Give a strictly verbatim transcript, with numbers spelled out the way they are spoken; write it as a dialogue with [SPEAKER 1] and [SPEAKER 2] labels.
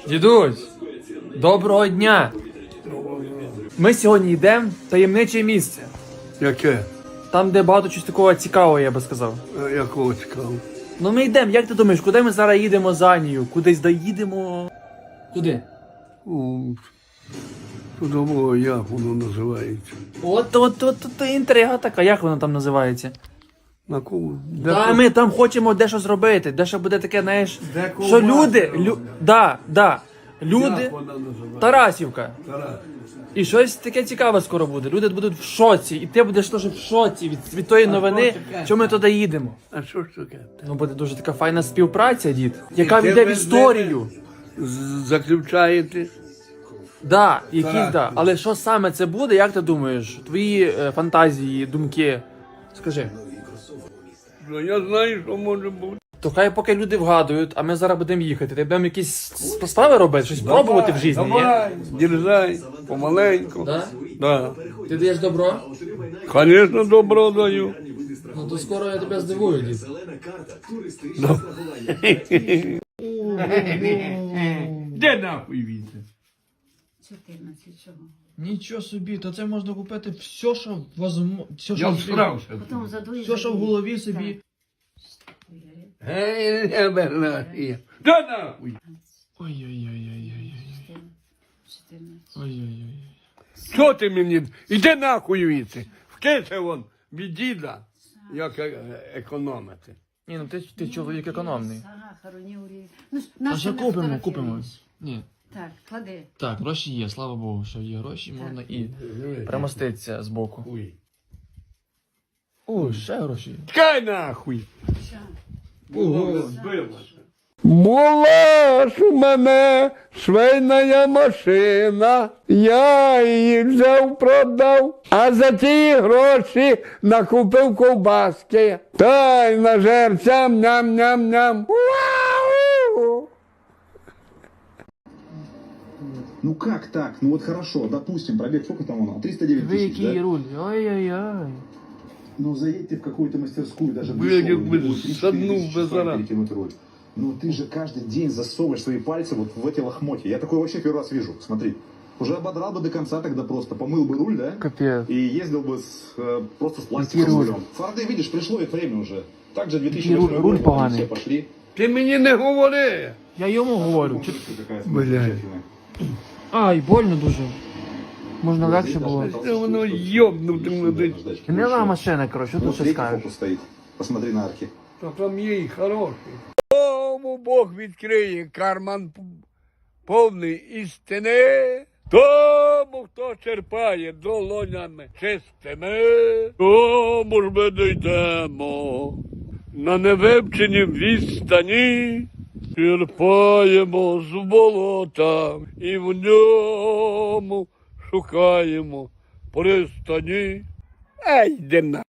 [SPEAKER 1] Дідусь, доброго дня! Ми сьогодні йдемо в таємниче місце.
[SPEAKER 2] Яке?
[SPEAKER 1] Там, де багато чогось такого цікавого, я би сказав.
[SPEAKER 2] А якого цікавого?
[SPEAKER 1] Ну ми йдемо, як ти думаєш, куди ми зараз їдемо за Анію? Кудись доїдемо? Куди?
[SPEAKER 2] У, Судово, як воно називається?
[SPEAKER 1] От, от, от, от інтрига така, як вона там називається?
[SPEAKER 2] На кого? Де
[SPEAKER 1] Та
[SPEAKER 2] ко-
[SPEAKER 1] ми там хочемо дещо зробити, дещо буде таке, знаєш,
[SPEAKER 2] Де
[SPEAKER 1] що
[SPEAKER 2] ковбаси
[SPEAKER 1] люди, лю,
[SPEAKER 2] роблять?
[SPEAKER 1] да, да, люди,
[SPEAKER 2] Як вона називається?
[SPEAKER 1] Тарасівка.
[SPEAKER 2] Тарас.
[SPEAKER 1] І щось таке цікаве скоро буде. Люди будуть в шоці, і ти будеш теж в шоці від, від тої новини,
[SPEAKER 2] що таке?
[SPEAKER 1] що ми туди їдемо.
[SPEAKER 2] А що ж таке?
[SPEAKER 1] Ну буде дуже така файна співпраця, дід, яка
[SPEAKER 2] ти
[SPEAKER 1] війде в
[SPEAKER 2] без
[SPEAKER 1] історію.
[SPEAKER 2] З- Заключаєте?
[SPEAKER 1] Да, якісь,
[SPEAKER 2] Так.
[SPEAKER 1] да. Але що саме це буде, як ти думаєш? Твої е, фантазії, думки. Скажи.
[SPEAKER 2] Ну, я знаю, що може бути.
[SPEAKER 1] То хай поки люди вгадують, а ми зараз будемо їхати. Ти будемо якісь справи робити, щось пробувати в житті, ні?
[SPEAKER 2] Давай, дерзай, помаленьку.
[SPEAKER 1] Да?
[SPEAKER 2] Да.
[SPEAKER 1] Ти даєш добро?
[SPEAKER 2] Звісно, добро даю.
[SPEAKER 1] Ну то скоро я тебе здивую, дід.
[SPEAKER 2] Де нахуй він?
[SPEAKER 3] чотирнадцять чого?
[SPEAKER 1] Нічого собі, то це можна купити все, що возможно, все,
[SPEAKER 2] Я
[SPEAKER 1] що,
[SPEAKER 2] всрався.
[SPEAKER 3] Потім задуєш.
[SPEAKER 1] все, що в голові собі.
[SPEAKER 2] Гей, не бернахи. Де нахуй?
[SPEAKER 1] Ой-ой-ой-ой-ой.
[SPEAKER 3] чотирнадцять.
[SPEAKER 1] Ой-ой-ой.
[SPEAKER 2] Що ти мені? Іди нахуй віці. Вкиси вон від діда, як е- економити.
[SPEAKER 1] Ні, ну ти, ти чоловік економний.
[SPEAKER 3] Сахару, ні олії. Ну, ж,
[SPEAKER 1] А
[SPEAKER 3] нащо
[SPEAKER 1] що
[SPEAKER 3] ми
[SPEAKER 1] купимо,
[SPEAKER 3] фотографуємось?
[SPEAKER 1] купимо. Ні.
[SPEAKER 3] Так, клади.
[SPEAKER 1] Так, гроші є, слава Богу, що є гроші, можна і примоститися з боку.
[SPEAKER 2] Хуй.
[SPEAKER 1] О, ще гроші.
[SPEAKER 2] Чекай нахуй.
[SPEAKER 3] Що?
[SPEAKER 1] Ого.
[SPEAKER 2] Була ж у мене швейна машина, я її взяв, продав, а за ті гроші накупив ковбаски. Та й нажерцям ням-ням-ням. Вау!
[SPEAKER 4] Ну как так? Ну вот хорошо, допустим, пробег сколько там он? триста девять
[SPEAKER 1] Ви
[SPEAKER 4] тысяч,
[SPEAKER 1] який
[SPEAKER 4] да?
[SPEAKER 1] руль? Ой-ой-ой.
[SPEAKER 4] Ну заедь ты в какую-то мастерскую, даже
[SPEAKER 2] Блядь,
[SPEAKER 4] дешевую,
[SPEAKER 2] как бы
[SPEAKER 4] будет три-четыре
[SPEAKER 2] саднул
[SPEAKER 4] тысячи
[SPEAKER 2] бы
[SPEAKER 4] стоить
[SPEAKER 2] зараз.
[SPEAKER 4] перекинуть руль. Ну ты же каждый день засовываешь свои пальцы вот в эти лохмотья. Я такое вообще первый раз вижу, смотри. Уже ободрал бы до конца тогда просто, помыл бы руль, да?
[SPEAKER 1] Капець.
[SPEAKER 4] И ездил бы с, э, просто с
[SPEAKER 1] Какие
[SPEAKER 4] пластиковым
[SPEAKER 1] руль?
[SPEAKER 4] рулем. Форды, видишь, пришло их время уже. Также две тысячи
[SPEAKER 1] Какие руль-
[SPEAKER 4] восьмой
[SPEAKER 1] руль
[SPEAKER 4] год,
[SPEAKER 1] поганый.
[SPEAKER 4] все пошли.
[SPEAKER 2] Ти мені не говори.
[SPEAKER 1] Я йому говорю. Чи...
[SPEAKER 4] Какая
[SPEAKER 2] Блядь.
[SPEAKER 4] замечательная.
[SPEAKER 1] Ай, больно дуже. Можна легше було.
[SPEAKER 2] Це воно йобнути мене.
[SPEAKER 1] Гнила машина, коротше, що тут
[SPEAKER 4] Вот
[SPEAKER 1] ще
[SPEAKER 4] третий
[SPEAKER 1] скажеш?
[SPEAKER 4] фокус стоит. Посмотри на арки.
[SPEAKER 2] Та там є і хороший. Тому Бог відкриє карман п- повний істини. Тому, хто черпає долонями чистими, тому ж ми дійдемо на невивченій відстані. Черпаємо з болота і в ньому шукаємо пристані. Ей, де на.